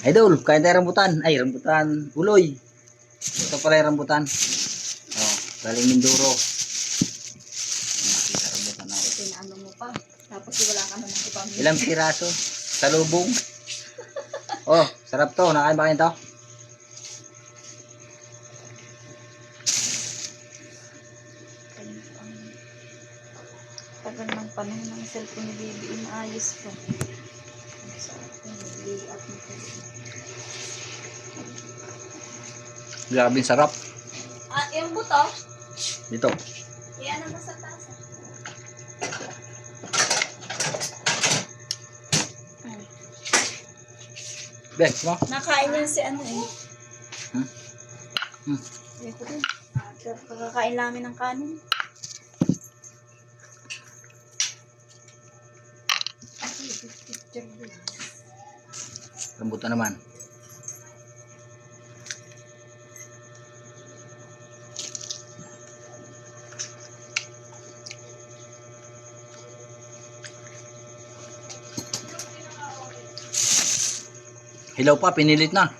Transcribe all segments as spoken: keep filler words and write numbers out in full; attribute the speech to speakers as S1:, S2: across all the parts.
S1: Idol, kain tayo rambutan. Ay, rambutan. Uloy. Ito pala yung rambutan. Oh, galing Mindoro. Nakita rambutan ako.
S2: Ito na ano mo pa. Tapos wala ka naman ipamili.
S1: Ilang piraso? Salubong. Oh, sarap to. Nakain ba kayo to?
S2: Tagal ng panahon ng cellphone ni Baby. Inaayos ko. Sa akin, layout nito.
S1: Grabing sarap.
S2: Ah, yung buto?
S1: Dito.
S2: Iyan naman sa tasa.
S1: Bes, mo?
S2: Nakain yan si ano eh.
S1: Hmm? Hmm.
S2: Ito din. Kakakain namin ng kanin.
S1: Rambutan naman. Hilaw pa, pinilit na.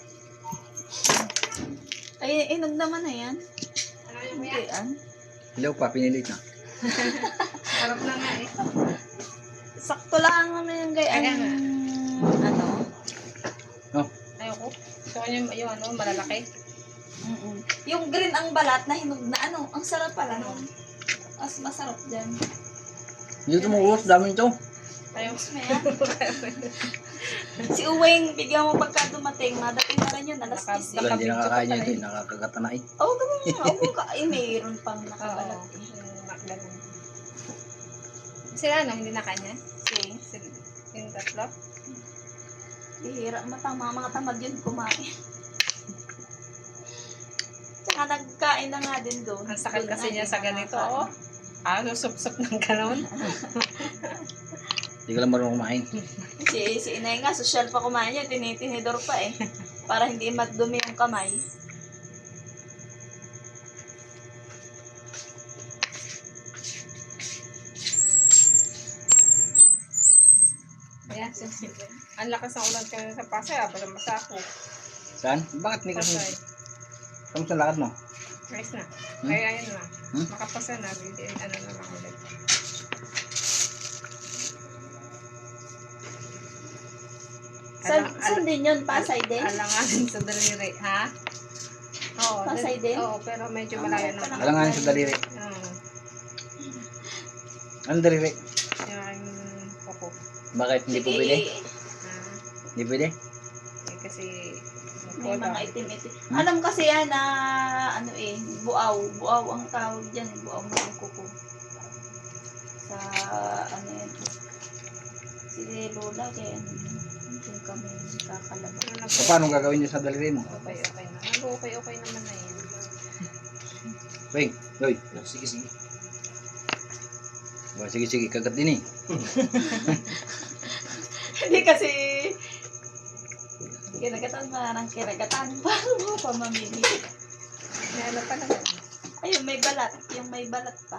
S2: Ay, inog naman na yan. Hindi yan.
S1: Hilaw pa, pinilit na.
S3: Sarap na nga eh.
S2: Sakto lang naman yung gay.
S3: Ayan na.
S2: Ano?
S1: Oh,
S3: Ayoko. So, yung, yung ano, malalaki.
S2: Mm-mm. Yung green ang balat na hinog na ano. Ang sarap pala nun. Mas masarap dyan.
S1: dito mo uros, dami nito.
S3: Ayoko.
S2: Mas may yan. Si Uweng, bigyan mo pagka dumating. Madating na rin yun. Alas
S3: Naka-
S2: disi.
S1: Wala, hindi nakakain nyo ito, eh. Nakakagata na eh.
S2: Oo, oh, ganun nga. Oo, ka. Ay, mayroon pang nakabalat
S3: Oo.
S2: eh.
S3: Yung makdagan. Sila ano, hindi na kanya?
S2: Si,
S3: Sila, yung tatlo?
S2: bihira. Matama, mga tamad yun kumain. Tsaka nagkain na nga din doon.
S3: Ang sakit
S2: Doon
S3: kasi
S2: na,
S3: niya
S2: di
S3: sa ganito,
S2: nakakain.
S3: oh. Ah, susup-sup ng ganon.
S1: Hindi ka lang marunong kumain.
S2: Si, si inay nga, social pa kumain niya, tinitinidor pa eh. Para hindi madumi yung kamay.
S3: Ayan, sensitive. Ang lakas ng ulan kami sa Pasay, ah. Basta masako.
S1: Saan? Bakit hindi ka
S3: Pasay.
S1: Kamusta lakad mo?
S3: Ayos na.
S1: Hmm?
S3: Kaya ayun na.
S1: Hmm?
S3: Makapasa na. Hindi, ano na lang ulit.
S2: Saan,
S3: Alang-
S2: saan din yun? Pasay din?
S3: Alanganin sa daliri, ha? Oo.
S2: Pasay
S3: dal-
S2: din?
S3: Oo, pero medyo
S2: Ah,
S3: malayo
S2: malayo pa
S3: na.
S2: naman.
S1: Alanganin sa daliri.
S3: Oo.
S1: Ano daliri?
S3: Yung kuko.
S1: Bakit hindi po pwede?
S3: Ah,
S1: Hindi pwede?
S3: eh, kasi
S2: May
S3: kuko
S2: mga
S3: daw.
S2: itim-itim.
S1: Hmm?
S2: Alam kasi yan na, ano eh, buaw. Buaw ang tawag dyan eh. Buaw mo yung kuko. Sa, ano yan. Si Lola, kaya ano yun. Hindi kami kakalabas.
S3: Ano na
S1: So,
S3: po?
S1: paano gagawin nyo sa daliri mo?
S3: Okay, okay na. Nag-okay, okay naman na yun.
S1: Wait, Yoy. Sige, sige. Ba, sige, sige. Kagat din eh.
S2: Hindi kasi, kinagatan pa ng kinagatan. Paano mo pa mamili?
S3: May ano pa naman.
S2: Ayun, may balat. Yung may balat pa.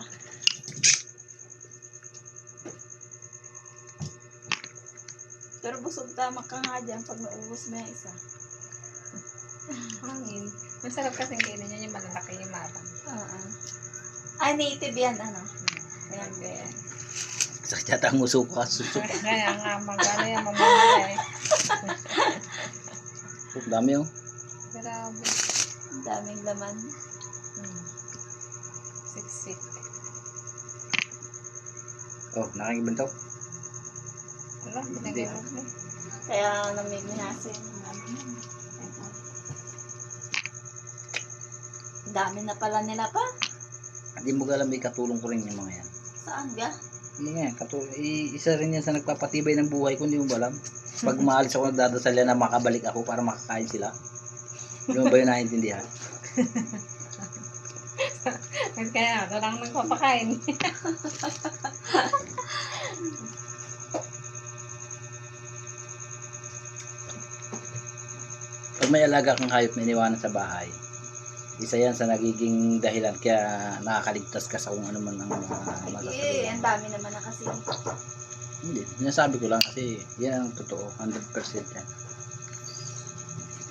S2: Pero busog tama ka nga dyan pag naubos mo yung isa.
S3: Hangin. Masarap kasing kainin niya yung malalaki yung matang.
S2: Oo. Ay, native yan, ano? Ayan, kaya.
S1: Sakit yata ang muso ko. Susok.
S3: Kaya nga, magano yan, mamamala eh.
S1: Oh, dami oh.
S3: Grabe.
S2: Ang daming laman.
S3: Hmm. Siksik.
S1: Oh, nakakibantaw.
S3: Wala, pinagay mo.
S2: Kaya namimihasin. Ang dami na pala nila pa.
S1: Hindi mo alam, may katulong ko rin yung mga yan.
S2: Saan ga?
S1: Hindi nga, katulong. I- isa rin yan sa nagpapatibay ng buhay ko, hindi mo ba alam? Pag maalis ako, nagdadasal yan na makabalik ako para makakain sila. Hindi mo ba yun naiintindihan?
S3: Kaya, ito lang nagpapakain.
S1: Pag may alaga kang hayop na iniwanan sa bahay, isa yan sa nagiging dahilan kaya nakakaligtas ka sa kung ano man ang mga
S2: Eh,
S1: masasabi.
S2: ang dami naman na kasi.
S1: Hindi, sinasabi ko lang kasi yan ang totoo, one hundred percent yan.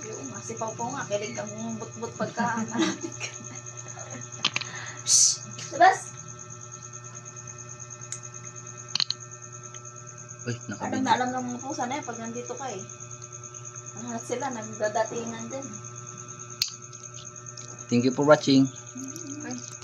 S2: Yung nga, si Pao Pao nga, kilig ang but-but pagka malapit ka. Shhh! Labas!
S1: Uy,
S2: Alam
S1: nakabidyo.
S2: na alam ng mga pusa na yan pag nandito ka eh. Lahat sila, nagdadatingan din.
S1: Thank you for watching.